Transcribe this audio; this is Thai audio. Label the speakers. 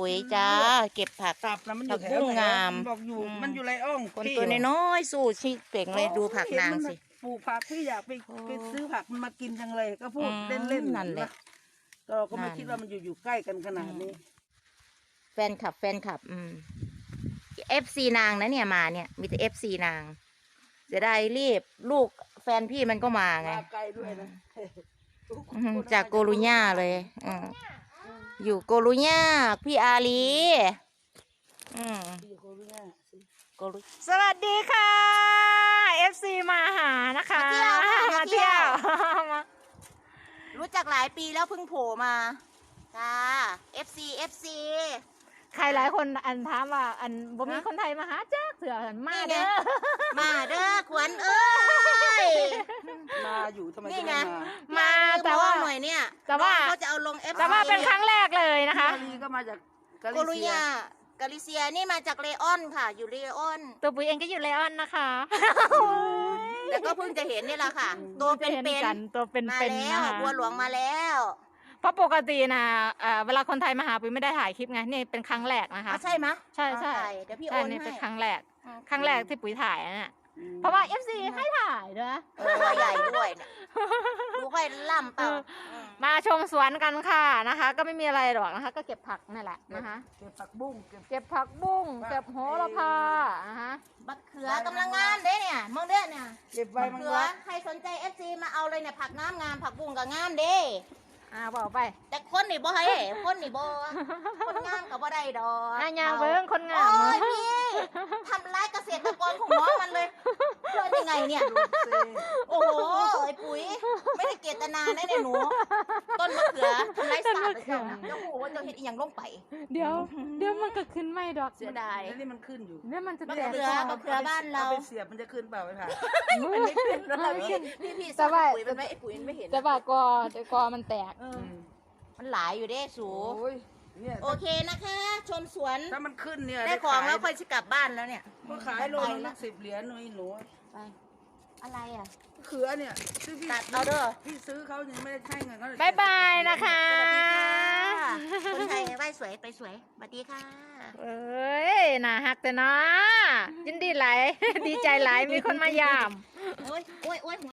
Speaker 1: ปุ๋ยจ้าเก็บผัก
Speaker 2: ตับนะมันอยู่แถ
Speaker 1: ผักบุ้
Speaker 2: ว
Speaker 1: ง
Speaker 2: ไหน
Speaker 1: งาม
Speaker 2: บอกอยู่
Speaker 1: อืม
Speaker 2: มันอยู่ไรอ่อง
Speaker 1: คน
Speaker 2: พี่
Speaker 1: ตัวน้อยๆสู้ชีเป่งเลยดูผักนางสิ
Speaker 2: ปลูกผักพี่อยากไป
Speaker 1: โอ้
Speaker 2: ไปซื้อผักมันมากินจังเลยก็พูด
Speaker 1: อืม
Speaker 2: เล่นๆ
Speaker 1: นั่นแหละ
Speaker 2: ก็เราก็ไม่
Speaker 1: นั่น
Speaker 2: คิดว่ามันอยู่ใกล้กันขนาดนี้
Speaker 1: แฟนคลับFC นางนะเนี่ยมาเนี่ยมีแต่ FC นางจะได้รีบลูกแฟนพี่มันก็มาไง
Speaker 2: มาไกลด้วยนะ
Speaker 1: จากโกลุญ่าเลยอยู่โกลุญ่าพี่อาลี
Speaker 2: พี่โควิดเนี่ยสิ
Speaker 1: โกลุ
Speaker 3: สวัสดีค่ะ FC มาหานะคะ
Speaker 1: มาเที่ยว
Speaker 3: มา
Speaker 1: รู้จักหลายปีแล้วเพิ่งโผล่มาจ้า FC
Speaker 3: ใครหลายคนอันถามว่าอันบ่มีคนไทยมาหาจ้าเถื่อมาเด้อ
Speaker 1: มาเด้อขวัญเอ้ย
Speaker 2: มาอยู่ทำไม
Speaker 1: นี่
Speaker 2: จะ
Speaker 1: ไง
Speaker 2: ไม่มา
Speaker 3: มาแต่ว่า
Speaker 1: หน่อยเนี่ย
Speaker 3: แต่ว่า
Speaker 1: น้องเขาจะเอาลง FC
Speaker 3: แต่ว่าเป็นครั้งแรกเลยนะคะ
Speaker 2: กาลีก็มาจากกา
Speaker 1: โก
Speaker 2: ลิ
Speaker 1: ลุ
Speaker 2: เซีย
Speaker 1: ญ่ากาลิเซียนี่มาจากเลออนค่ะ อยู่เลออน
Speaker 3: ตัวปุ๋ยเองก็อยู่ไลออนนะคะ
Speaker 1: แต่ก็เพิ่งจะเห็นนี่แหละค่ะ ตัวเป็น
Speaker 3: ห็กันตัวเป็น
Speaker 1: มา
Speaker 3: เป็น
Speaker 1: แล้ว
Speaker 3: นะคะ
Speaker 1: บัวหลวงมาแล้ว
Speaker 3: เพราะปกตินะเวลาคนไทยมาหาปุ๋ยไม่ได้ถ่ายคลิปไงนี่เป็นครั้งแรกนะคะ
Speaker 1: ใช่ไหมะ
Speaker 3: ใช่
Speaker 1: เดี๋ยวพี่โอ
Speaker 3: ใช่
Speaker 1: น
Speaker 3: นี่
Speaker 1: ให้
Speaker 3: เป็นครั้งแรกครั้งแรกที่ปุ๋ยถ่ายนะเนี่ย
Speaker 2: อืม
Speaker 3: เพราะว่า FC ให้ถ่ายด้วย
Speaker 1: ตัวใหญ่ด้วยเนี่ยดูค่อยล่ำเปล่า
Speaker 3: มาชมสวนกันค่ะนะคะ ก็ไม่มีอะไรหรอกนะคะ ก็เก็บผักนั่นแหละนะคะ
Speaker 2: เก็บผักบุ้งเก็บ
Speaker 3: เก็บผักบุ้งเก็บโหระพานะคะ
Speaker 1: บักเขือกำลังงามเด้เนี่ยมองเด้อเนี่ย
Speaker 2: เก็บใบ
Speaker 1: บัก
Speaker 2: มัง
Speaker 1: เขื
Speaker 2: ลั
Speaker 1: อก ใครสนใจ FC มาเอาเลยเนี่ยผักงามผักบุ้งก็งามเด้
Speaker 3: บอกไป
Speaker 1: แต่คนนี่บ่ให้คนนี่บ่คนงามก็บ่ได้ดอก
Speaker 3: ยางเบิ้งคนงาม
Speaker 1: โอ้ยพี่ทำร้ายเกษตรกรของน้องมันเลยเพื่อยังไงเนี่ย โอ้โหไอ้ปุ๋ยไม่ได้เจตนานะเนี่ยหนูต้นมะเขือทำร้ายสัตว์เลยเจ้านะเจ้าหูว่าเจ้าเห็ดอีหยังลงไป
Speaker 3: เดี๋ยวมันก็ขึ้นไม่ดอก
Speaker 1: เสียดาย
Speaker 2: แล้วนี่มันขึ้นอยู่
Speaker 3: เนี่ยมันจะ
Speaker 1: มะ
Speaker 3: แตก
Speaker 1: เขือมะเขือบ้านเรา
Speaker 2: อไปเสียบมันจะขึ้นเปล่าไอ้ผ่า
Speaker 1: มันไม่ขึ้นแล้วล่ะพี่สอนปุ๋ยมันไหมไอ้ปุ๋ยมันไม่เห็น
Speaker 3: แต่ว่ากอมันแตก
Speaker 1: มันหลายอยู่เด้สู
Speaker 2: โอ้ยเนี่ย
Speaker 1: โอเคนะคะ ชมสวน
Speaker 2: ถ้ามันขึ้นเนี่ย
Speaker 1: ได้ของแล้วค่
Speaker 2: ค่
Speaker 1: อยจะกลับบ้านแล้วเนี่ย
Speaker 2: ก็ขายโลนึง10 เหรียญหนูหนู
Speaker 1: ไปอะไรอ่ะ
Speaker 2: เขือเนี่ยซื้อพี่
Speaker 1: ตัดเอาเด้อ
Speaker 2: พี่ซื้อเขายังไม่ได้ให้เงินเขาเลย
Speaker 3: บ๊ายบายนะคะ
Speaker 1: คนไทยไหว้สวยไปสวยสวัสดีค่ะ
Speaker 3: เอ้ยน่าฮักแต่เนาะยินดีหลาย ดีใจหลายมีคนมายาม
Speaker 1: โอ้ยโอ้ยโอ้ย